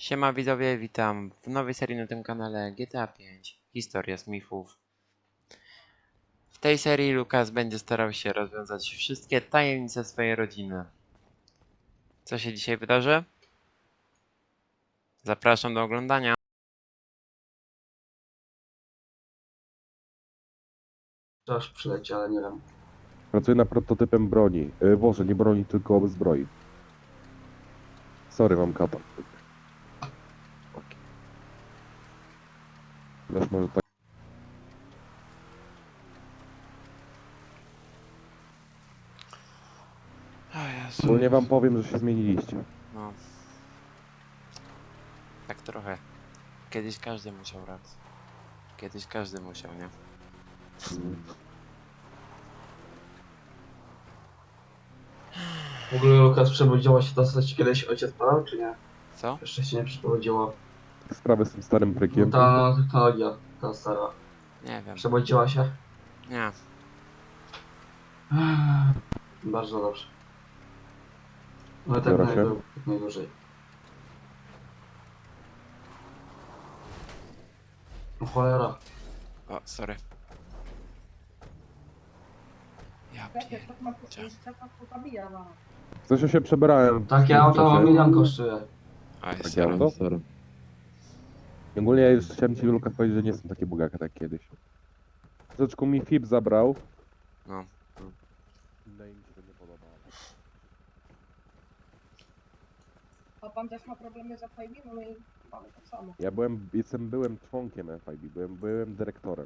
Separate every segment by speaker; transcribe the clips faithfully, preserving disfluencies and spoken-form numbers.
Speaker 1: Siema widzowie, witam w nowej serii na tym kanale G T A pięć Historia Smithów. W tej serii Lukas będzie starał się rozwiązać wszystkie tajemnice swojej rodziny. Co się dzisiaj wydarzy? Zapraszam do oglądania.
Speaker 2: Aż przyleci, ale nie wiem.
Speaker 3: Pracuję nad prototypem broni. Yy, Boże, nie broni, tylko zbroi. Sorry, mam kata. Wiesz, może tak.
Speaker 1: O Jezu.
Speaker 3: Ogólnie wam powiem, że się zmieniliście.
Speaker 1: No. Tak trochę. Kiedyś każdy musiał raz. Kiedyś każdy musiał, nie?
Speaker 3: Mm.
Speaker 2: W ogóle Lukas przebudziła się dostać kiedyś ojciec padał, czy nie?
Speaker 1: Co?
Speaker 2: Jeszcze się nie przebudziło.
Speaker 3: Sprawy z tym starym
Speaker 2: No
Speaker 3: prykiem.
Speaker 2: ta no, technologia, ta stara.
Speaker 1: Nie wiem.
Speaker 2: Przebudziła się?
Speaker 1: Nie.
Speaker 2: Bardzo dobrze. Ale tak
Speaker 3: Biorę
Speaker 2: naj,
Speaker 3: się.
Speaker 2: tak najdłużej. O cholera.
Speaker 1: O, sorry. Ja pierdzię.
Speaker 3: Coś się przebrałem.
Speaker 2: Takie auto milion kosztuje.
Speaker 1: Oj,
Speaker 3: Takie
Speaker 1: sorry.
Speaker 3: auto? Ogólnie ja już chciałem ci, Lukas, powiedzieć, że nie jestem taki bogaka jak kiedyś. Troszeczkę mi F I B zabrał.
Speaker 1: No.
Speaker 3: No i mi się to nie podobało.
Speaker 4: A pan też ma problemy z F I B? No my mamy tak samo.
Speaker 3: Ja byłem, jestem, byłem członkiem F I B, byłem, byłem dyrektorem.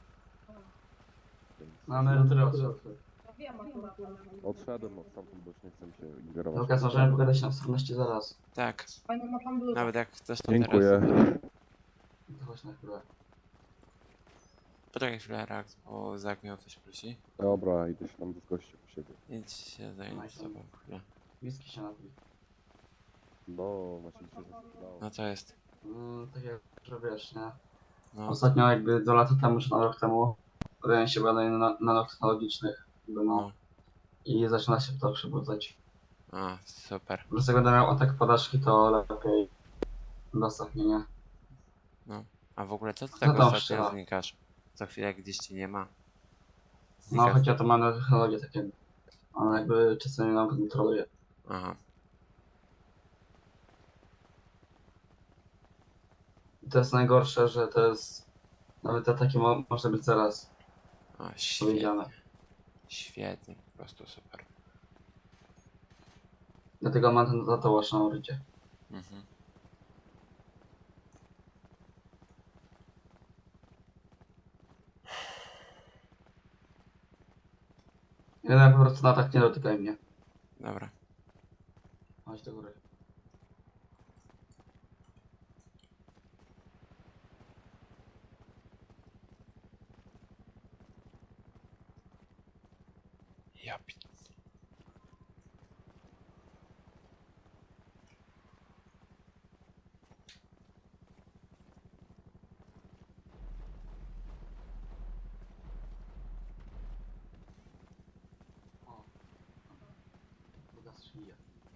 Speaker 3: Więc
Speaker 2: Na emeryturę odszedł.
Speaker 4: No wiem akurat, ale...
Speaker 3: odszedłem od stamtąd, bo już nie chcę mi się ingerować.
Speaker 2: Lukas, możemy pogadać na osobności zaraz.
Speaker 1: Tak.
Speaker 4: Fajną ma pan bluzę.
Speaker 1: Nawet jak chcesz to teraz.
Speaker 3: Dziękuję.
Speaker 2: To chodź na chwilę.
Speaker 1: Poczekaj chwilę, Rax, bo Zak mnie o coś prosi.
Speaker 3: Dobra, idę się tam z gościem u siebie.
Speaker 1: Idź się zająć sobą chwilę.
Speaker 2: Whisky się napij.
Speaker 3: No, właśnie mi się zasypało.
Speaker 1: No co jest?
Speaker 2: Mm, tak jak, że wiesz, nie?
Speaker 1: No,
Speaker 2: Ostatnio jakby dwa lata temu, czy na rok temu podjąłem się badań na- nanotechnologicznych. Jakby no.
Speaker 1: no.
Speaker 2: I zaczyna się to przebudzać.
Speaker 1: A, super.
Speaker 2: Dlatego będę miał atak podażki, to lepiej dostaw mnie, nie?
Speaker 1: A w ogóle co ty
Speaker 2: Co
Speaker 1: tak
Speaker 2: tam
Speaker 1: ostatnio
Speaker 2: strzela?
Speaker 1: znikasz? Co chwilę gdzieś ci nie ma.
Speaker 2: No,
Speaker 1: Znikasz.
Speaker 2: choć ja to mam nanotechnologię takie. Ale jakby czasami nam kontroluje.
Speaker 1: Aha.
Speaker 2: I to jest najgorsze, że to jest... Nawet ataki mo może być zaraz
Speaker 1: O, świetnie.
Speaker 2: powiedziane.
Speaker 1: Świetnie, po prostu super.
Speaker 2: Dlatego mam ten tatuaż na urycie.
Speaker 1: Mhm.
Speaker 2: Jeden po prostu na atak nie dotykaj mnie.
Speaker 1: Dobra.
Speaker 2: Chodź do góry.
Speaker 1: Ja pi...
Speaker 2: O. Druga szyja.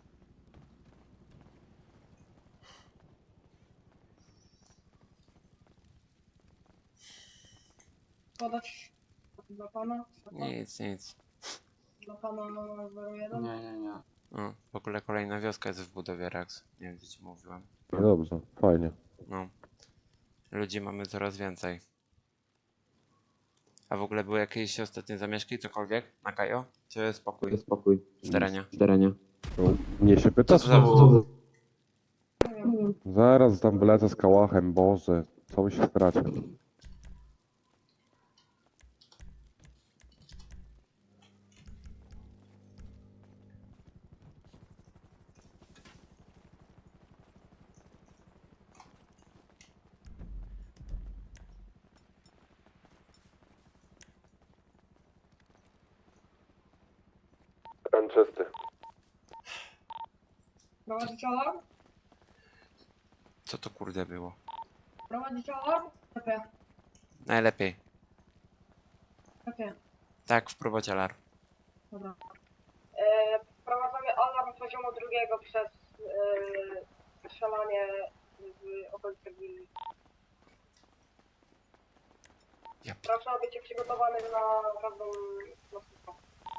Speaker 4: Podać dla pana?
Speaker 1: Nic, nic.
Speaker 4: Dla pana zero jeden?
Speaker 2: Nie, nie, nie.
Speaker 1: O, w ogóle kolejna wioska jest w budowie, Rax. Nie wiem, czy ci mówiłem.
Speaker 3: No dobrze, fajnie.
Speaker 1: No. Ludzi mamy coraz więcej. A w ogóle były jakieś ostatnie zamieszki, cokolwiek na Kajo? Czy spokój
Speaker 2: Spokój.
Speaker 1: w terenie?
Speaker 2: W terenie.
Speaker 3: No, mnie się
Speaker 1: Co
Speaker 3: pytasz?
Speaker 1: to za...
Speaker 2: Znowu.
Speaker 4: Nie wiem.
Speaker 3: Zaraz tam wylecę z kałachem, Boże. Co by się stracił? Ten czysty.
Speaker 4: Prowadzić alarm?
Speaker 1: Co to kurde było?
Speaker 4: Prowadzić alarm? Lepiej,
Speaker 1: Najlepiej.
Speaker 4: lepiej.
Speaker 1: Tak, wprowadź alarm.
Speaker 4: Dobra. E, wprowadzamy alarm poziomu drugiego przez e, strzelanie w okolicy willi.
Speaker 1: Ja
Speaker 4: Proszę być przygotowany na każdą lotnisko.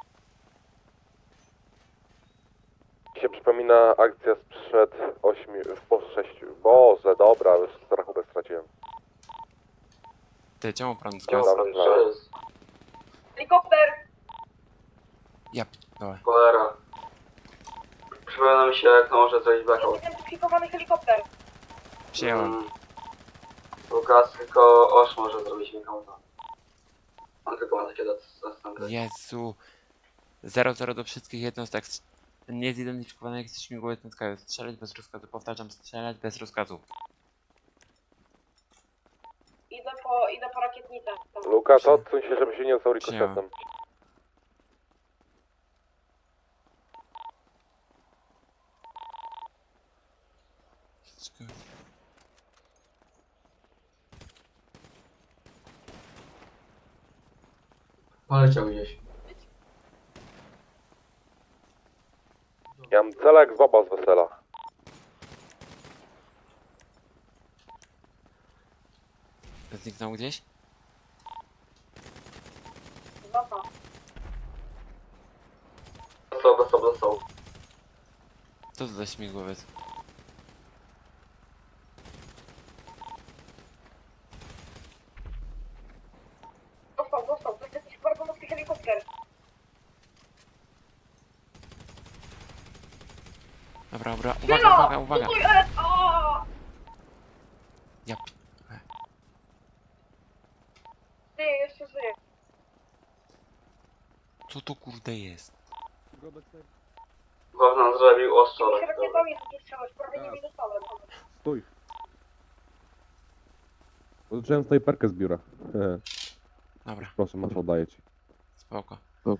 Speaker 3: się przypomina akcja sprzed ośmiu, po sześciu. Boże, dobra, już rachubę straciłem.
Speaker 1: Ty, czemu prąd
Speaker 2: Co
Speaker 1: zgasł?
Speaker 2: co jest?
Speaker 4: Helikopter!
Speaker 1: Ja p***dolę.
Speaker 2: Cholera. Przypomina mi się, jak to może zrobić blackout.
Speaker 4: Zidentyfikowany helikopter!
Speaker 1: Przyjąłem.
Speaker 2: Mm. Lukas, tylko Osh może zrobić blackouta. On tylko ma takie zastępy.
Speaker 1: Jezu. zero zero do wszystkich jednostek. Niezidentyfikowanych śmigłowiec rozkazu. Strzelać bez rozkazu. Powtarzam, strzelać bez rozkazu.
Speaker 4: Idę po, idę po rakietnicę.
Speaker 3: Luka, to odsuń się, żeby się nie dostał
Speaker 1: Przyjąłem.
Speaker 3: rikoszetem.
Speaker 2: Poleciał gdzieś.
Speaker 3: Ja mam cela jak z baba z wesela.
Speaker 1: Zniknął gdzieś?
Speaker 4: Został.
Speaker 2: Dostał, dostał, dostał.
Speaker 1: Co to za śmigłowiec?
Speaker 4: Dostał, dostał. To jest jakiś bardzo mocny helikopter.
Speaker 1: Dobra, dobra.
Speaker 4: Tylo!
Speaker 1: Uwaga, uwaga, uwaga.
Speaker 4: Stój, e, o!
Speaker 1: Ja p...
Speaker 4: Ty, jeszcze żyje.
Speaker 1: Co to kurde jest?
Speaker 2: Wewnątrz zrobił ostro.
Speaker 4: Tymi rakietami nie strzelać, prawie nimi dostałem.
Speaker 3: Stój. Zacząłem snajperkę z biura. Hehe.
Speaker 1: Dobra,
Speaker 3: Proszę, masz, oddaję ci.
Speaker 1: spoko.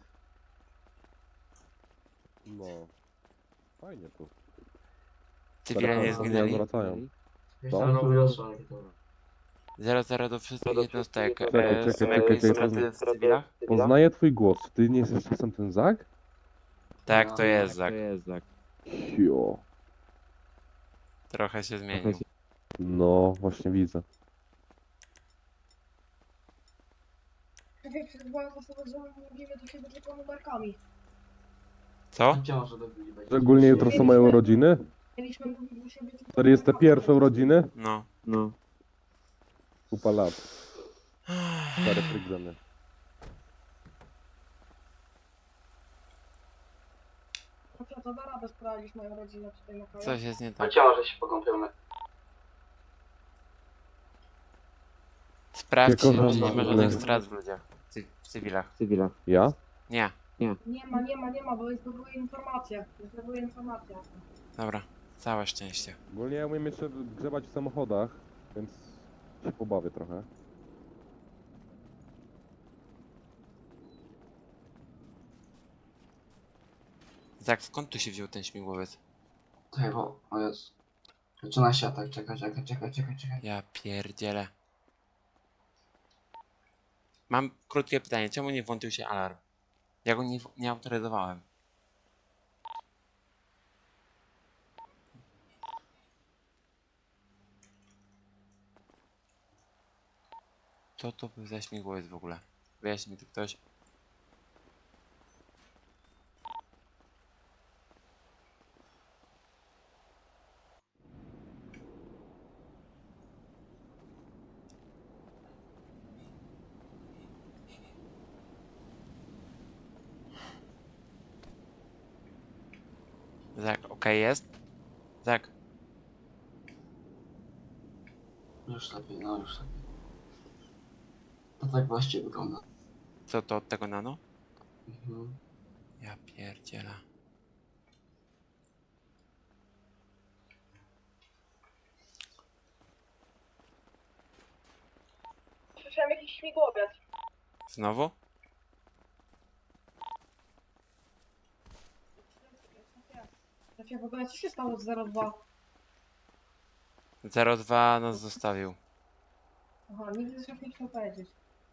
Speaker 3: No. Fajnie tu.
Speaker 1: Cywile nie
Speaker 3: Teraz
Speaker 1: zginęli.
Speaker 3: wracają.
Speaker 2: Myślałem, że robił ostro rakietowe.
Speaker 1: zero zero do wszystkich jednostek.
Speaker 3: Czekaj,
Speaker 1: E,
Speaker 3: czekaj,
Speaker 1: Są
Speaker 3: czekaj,
Speaker 1: jakieś
Speaker 3: czekaj,
Speaker 1: straty w cywilach?
Speaker 3: Poznaję twój głos. Czy ty nie jesteś czasem ten Zak?
Speaker 1: Tak, to jest Zak.
Speaker 3: Jo.
Speaker 1: Trochę się zmienił.
Speaker 3: No, właśnie widzę.
Speaker 4: Wiecie, przed byłem zasadą, że mówimy do siebie tylko numerkami.
Speaker 1: Co?
Speaker 2: Gdzie może do być?
Speaker 3: Szczególnie jutro są moje urodziny.
Speaker 4: Mieliśmy mówić do siebie tylko
Speaker 3: czterdzieste pierwsze urodziny.
Speaker 1: No.
Speaker 5: No.
Speaker 3: Kupa lat. Stare frygzeny.
Speaker 4: Dobrze, to da radę sprawdzić moją rodzinę tutaj na kraju.
Speaker 1: Coś jest nie tak.
Speaker 2: Gdzie może się pokąpiemy?
Speaker 1: Sprawdź,
Speaker 3: Tylko,
Speaker 1: czy
Speaker 3: że
Speaker 1: nie ma
Speaker 3: ma-
Speaker 1: żadnych strat w ludziach. Cy w cywilach.
Speaker 5: W cywilach.
Speaker 3: Ja?
Speaker 1: Nie.
Speaker 4: Nie ma, nie ma, nie ma, bo zdobyły informacje. Zdobyły informacje.
Speaker 1: Dobra. Całe szczęście.
Speaker 3: Ogólnie ja umiem jeszcze grzebać w samochodach, więc się pobawię trochę.
Speaker 1: Zak, skąd tu się wziął ten śmigłowiec?
Speaker 2: Czekaj, bo... O Jezu. Zaczyna się atak, czekaj, czekaj, czekaj, czekaj, czekaj.
Speaker 1: Ja pierdzielę. Mam krótkie pytanie. Czemu nie włączył się alarm? Ja go nie, nie autoryzowałem. Co to był za śmigłowiec w ogóle? Wyjaśni mi to ktoś. Zak, okej jest? Zak,
Speaker 2: Już lepiej, no już lepiej. To tak właściwie wygląda.
Speaker 1: co to od tego nano?
Speaker 2: Mhm.
Speaker 1: Ja pierdzielę.
Speaker 4: Słyszałem jakiś śmigłowiec.
Speaker 1: Znowu?
Speaker 4: Znaczy, w ogóle co się stało z zero dwa?
Speaker 1: zero dwa nas zostawił.
Speaker 4: Aha, nigdy zresztą nie chciał powiedzieć.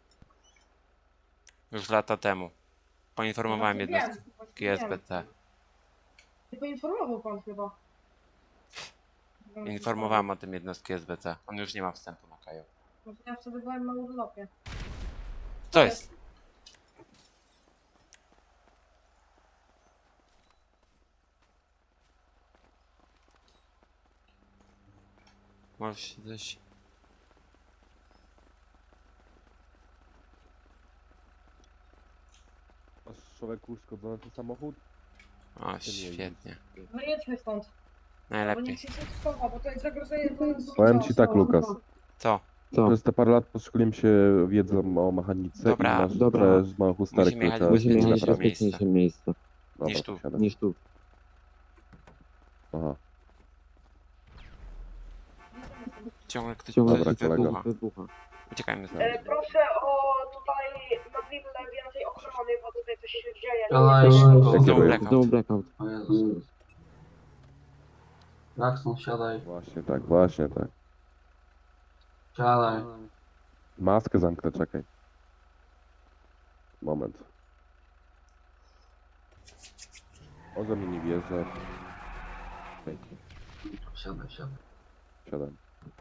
Speaker 1: Już lata temu. Poinformowałem
Speaker 4: Właśnie
Speaker 1: jednostki
Speaker 4: wiem, właśnie
Speaker 1: S B T.
Speaker 4: wiem. Nie poinformował pan chyba.
Speaker 1: Informowałem o tym jednostki S B C. On już nie ma wstępu na Kaju.
Speaker 4: No to ja wtedy byłem na urlopie.
Speaker 1: Co jest? Może się coś...
Speaker 3: Masz człowieku uszkodzony ten samochód?
Speaker 1: O,
Speaker 3: Ty nie
Speaker 1: świetnie.
Speaker 4: No jedźmy stąd. Bo
Speaker 1: Najlepiej.
Speaker 4: niech się coś schowa, bo to jest zagrożenie dla nas.
Speaker 3: Powiem
Speaker 4: życia.
Speaker 3: ci tak, Lukas.
Speaker 1: Co?
Speaker 3: Przez te parę lat podszkoliłem się wiedzą o mechanice
Speaker 1: Dobra,
Speaker 3: i masz
Speaker 1: dobra.
Speaker 3: trochę z małych usterek,
Speaker 1: Musimy jechać
Speaker 3: które
Speaker 1: w
Speaker 3: trzeba
Speaker 1: bezpieczniejsze
Speaker 3: naprawić.
Speaker 1: miejsce.
Speaker 5: miejsce
Speaker 3: Dobra,
Speaker 1: niż tu.
Speaker 3: siadaj.
Speaker 5: niż tu.
Speaker 3: Aha.
Speaker 1: Ciągle ktoś
Speaker 5: Ciągle
Speaker 3: Dobra,
Speaker 1: coś
Speaker 3: kolego.
Speaker 1: wybucha.
Speaker 5: Wybucha.
Speaker 1: Uciekajmy
Speaker 4: E,
Speaker 1: stąd.
Speaker 4: proszę o tutaj na willę więcej ochrony, bo tutaj coś się dzieje.
Speaker 2: Siadaj,
Speaker 4: Nie,
Speaker 2: szybko.
Speaker 3: Jakie
Speaker 1: Znowu
Speaker 3: były?
Speaker 1: blackout.
Speaker 5: Znowu blackout.
Speaker 2: O Jezus. Jackson, siadaj.
Speaker 3: Właśnie tak, właśnie tak.
Speaker 2: Siadaj.
Speaker 3: Maskę zamknę, czekaj. Moment. Oza mnie nie wierzę. Okej,
Speaker 2: Siadaj, siadaj.
Speaker 3: siadam.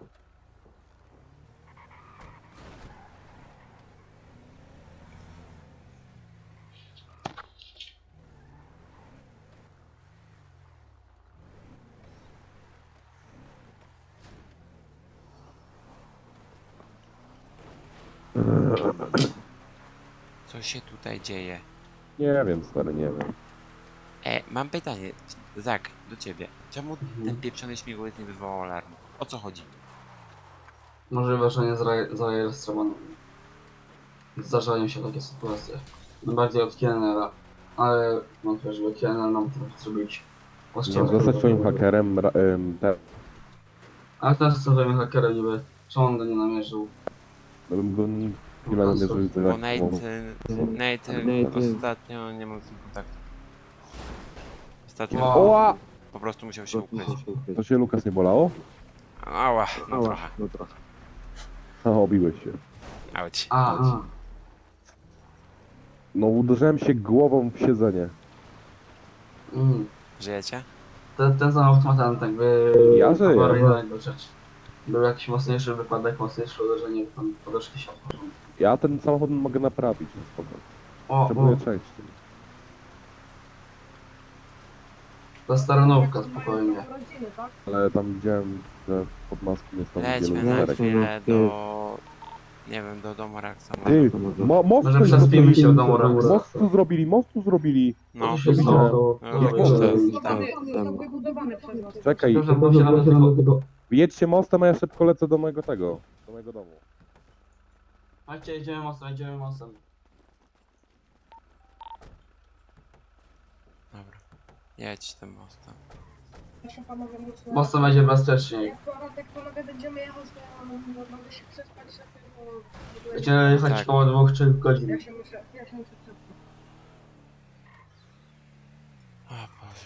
Speaker 1: Co się tutaj dzieje?
Speaker 3: Nie wiem, stary, nie wiem.
Speaker 1: E, mam pytanie. Zak, do ciebie. Czemu ten pieprzony śmigłowiec nie wywołał alarmu? O co chodzi?
Speaker 2: Możliwe, że nie zare- zarejestrowano. Zdarzają się takie sytuacje. Najbardziej od Kienera. Ale wątpię, żeby Kiener nam to zrobić.
Speaker 3: Nie zostać twoim hakerem, ra- em, te,
Speaker 2: A kto jest twoim hakerem niby? Czemu on go nie namierzył?
Speaker 3: bym go chwilę namierzył
Speaker 1: Bo
Speaker 3: za
Speaker 1: Nate, Nate
Speaker 5: Nate-
Speaker 1: ostatnio nie mógł z nim kontaktu. Ostatnio
Speaker 2: Wow.
Speaker 3: Oła!
Speaker 1: po prostu musiał się ukryć.
Speaker 3: To się Lukas nie bolało?
Speaker 1: Ała, no
Speaker 5: Ała,
Speaker 1: trochę.
Speaker 5: no trochę.
Speaker 3: A, obiłeś się.
Speaker 1: Auć.
Speaker 2: A, a.
Speaker 3: No uderzyłem się głową w siedzenie.
Speaker 2: Mm.
Speaker 1: Żyjecie?
Speaker 2: Ten, ten samochód ma ten tak by...
Speaker 3: Ja żyję.
Speaker 2: awaryjnego rzecz. Był jakiś mocniejszy wypadek, mocniejsze uderzenie, tam poduszki się otworzą.
Speaker 3: Ja ten samochód mogę naprawić, no spoko.
Speaker 2: O, o,
Speaker 3: Potrzebuję części.
Speaker 2: to staranówka, spokojnie.
Speaker 4: Rodziny, tak?
Speaker 3: Ale tam widziałem, że pod maską jest tam
Speaker 1: Lećmy
Speaker 3: wielu
Speaker 1: na
Speaker 3: usterek.
Speaker 1: chwilę do... Nie wiem, do domu Raksona.
Speaker 3: Ty, mo most
Speaker 2: Może
Speaker 3: tu
Speaker 2: przespimy
Speaker 3: zrobili,
Speaker 2: się w domu Raxa.
Speaker 3: most tu zrobili, most tu zrobili.
Speaker 1: No,
Speaker 2: Co się stało?
Speaker 1: No,
Speaker 2: No,
Speaker 1: jak
Speaker 2: wiesz,
Speaker 1: to
Speaker 2: że-
Speaker 1: jest?
Speaker 4: Wybudowany,
Speaker 1: tam.
Speaker 4: został wybudowany przez nas.
Speaker 3: Czekaj,
Speaker 2: Dobrze, bo się nawet tylko...
Speaker 3: jedźcie mostem, a ja szybko lecę do mojego tego, do mojego domu.
Speaker 2: Chodźcie, idziemy mostem, idziemy mostem.
Speaker 1: Dobra. Jedź tym mostem.
Speaker 4: Proszę panowie, mocno.
Speaker 2: Mostem będzie bezpieczniej.
Speaker 4: Jak to, jak panowie będziemy jechać, to no, mogę się przespać, żeby... bo-
Speaker 2: Będziemy jechać
Speaker 1: Tak.
Speaker 2: koło dwóch, trzech godzin.
Speaker 4: Ja się muszę, ja się muszę przespać.
Speaker 1: O Boże.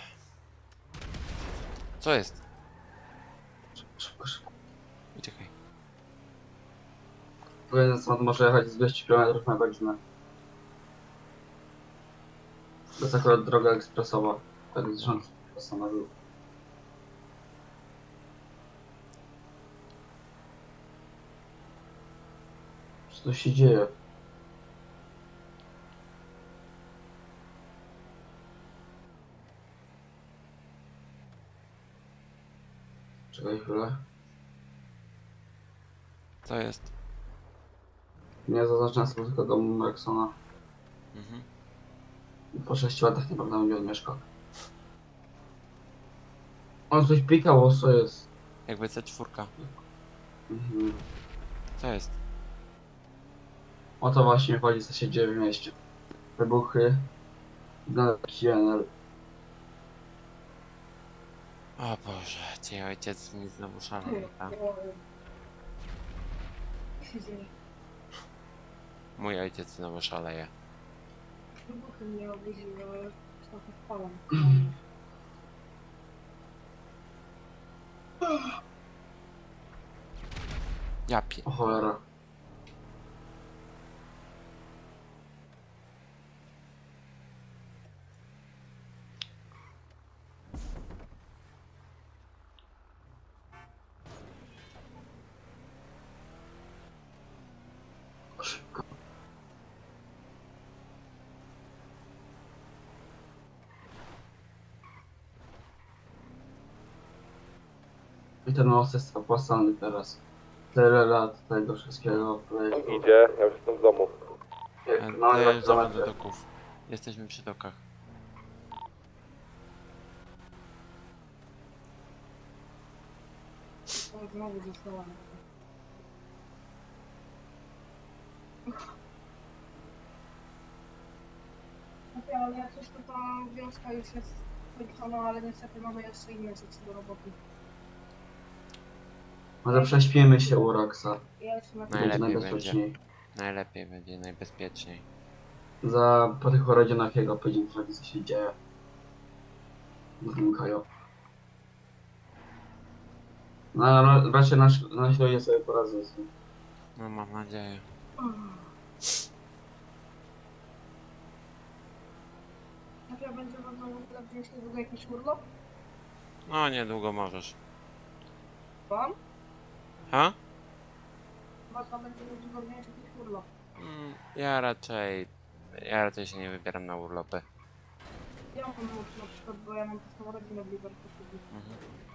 Speaker 1: Co jest?
Speaker 2: Szybko, szybko.
Speaker 1: Uciekaj.
Speaker 2: Jeden stąd może jechać z dwieście kilometrów na godzinę. To jest akurat droga ekspresowa. Tak rząd postanowił. Co tu się dzieje? Czekaj chwilę.
Speaker 1: Co jest?
Speaker 2: Nie zaznaczam sobie tylko domu Rexona.
Speaker 1: Mhm.
Speaker 2: Po sześciu latach nie pamiętam, gdzie on mieszka. On coś pikał, co jest?
Speaker 1: Jakby C cztery.
Speaker 2: Mhm.
Speaker 1: Co jest?
Speaker 2: O to właśnie chodzi, co się dzieje w mieście. Wybuchy. G N L.
Speaker 1: O Boże, cię ojciec mi znowu szaleje, tak?
Speaker 4: Co się dzieje?
Speaker 1: Mój ojciec znowu szaleje.
Speaker 4: Wybuchy mnie obudziły, ale już trochę spałam.
Speaker 1: Ja pie...
Speaker 2: O cholera. I ten most jest opłacalny teraz. Tyle lat tego wszystkiego projektu.
Speaker 3: Idzie, ja już jestem w domu.
Speaker 2: Jak
Speaker 1: E,
Speaker 2: na dwa
Speaker 1: Dojeżdżamy do
Speaker 2: kilometry.
Speaker 1: doków. Jesteśmy przy dokach.
Speaker 4: To znowu zostałam. Okej, ale jak coś to ta wioska już jest skończona, ale niestety mamy jeszcze inne rzeczy do roboty.
Speaker 2: Może prześpimy się u Roxa.
Speaker 4: Ja jeszcze na
Speaker 2: Będzie
Speaker 1: Najlepiej
Speaker 2: najbezpieczniej.
Speaker 1: Najlepiej będzie, najbezpieczniej.
Speaker 2: Za po tych urodzinach jego powiedzieć trochę co się dzieje. Zmukają. No ale raczej nasz, nasi ludzie sobie poradzą z tym.
Speaker 1: No mam nadzieję.
Speaker 4: Jak ja będzie można w ogóle wziąć niedługo jakiś urlop?
Speaker 1: No niedługo możesz.
Speaker 4: Wam?
Speaker 1: Ha?
Speaker 4: Można będzie niedługo wziąć jakiś urlop.
Speaker 1: Mm, ja raczej... Ja raczej się nie wybieram na urlopy.
Speaker 4: Ja mam mąż na przykład, bo ja mam taką rodzinę w Liverpoolu.
Speaker 1: Mhm.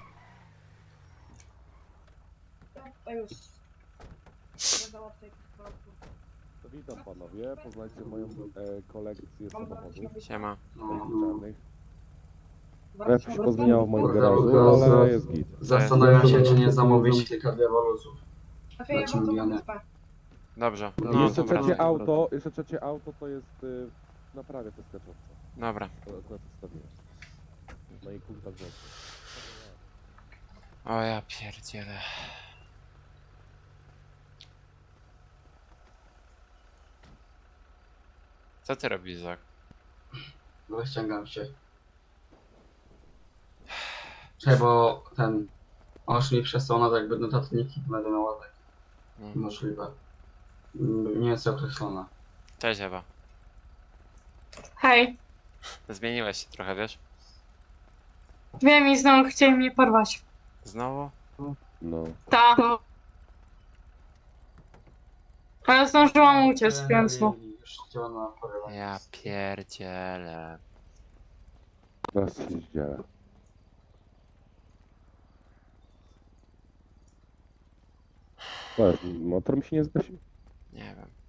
Speaker 4: Ja tutaj już nie załatwię jakichś problemów.
Speaker 5: Witam panowie, poznajcie moją e, kolekcję
Speaker 4: Mam brać
Speaker 5: samochodów
Speaker 4: na
Speaker 1: Siema.
Speaker 2: No, no.
Speaker 5: czarnych.
Speaker 4: Brać
Speaker 5: Trochę
Speaker 4: na
Speaker 5: się pozmieniało w moim
Speaker 2: Kurde,
Speaker 5: garażu,
Speaker 2: kurde,
Speaker 5: ale jest git.
Speaker 2: Zastanawiam się, czy nie zamówić kilka diaboluzów.
Speaker 4: Znaczy, ja
Speaker 2: Znaczy,
Speaker 4: wracam na
Speaker 2: miliony.
Speaker 4: wyspę.
Speaker 1: Dobrze.
Speaker 2: No,
Speaker 1: No
Speaker 5: jeszcze
Speaker 1: to
Speaker 5: trzecie
Speaker 1: wracaj.
Speaker 5: auto, jeszcze trzecie auto to jest y, naprawia te skaczące.
Speaker 1: Dobra.
Speaker 5: To akurat zostawiłem. No i kurwa wrzosy.
Speaker 1: O ja pierdzielę. Co ty robisz, Zak?
Speaker 2: No ściągam się. Czekaj, bo ten... Oż mi przesłał na to jakby notatniki, będę miał tak
Speaker 1: Mm.
Speaker 2: możliwe. Mm, Nie jest określone.
Speaker 1: Cześć Ewa.
Speaker 6: Hej,
Speaker 1: Zmieniłeś się trochę, wiesz?
Speaker 6: wiem i znowu chcieli mnie porwać.
Speaker 1: Znowu?
Speaker 5: No.
Speaker 6: Ta. Ale zdążyłam uciec, więc no.
Speaker 2: Już chciała na porywanie.
Speaker 1: Ja pierdzielę.
Speaker 5: Teraz się zdziela. Motor mi się nie zgasił?
Speaker 1: Nie wiem.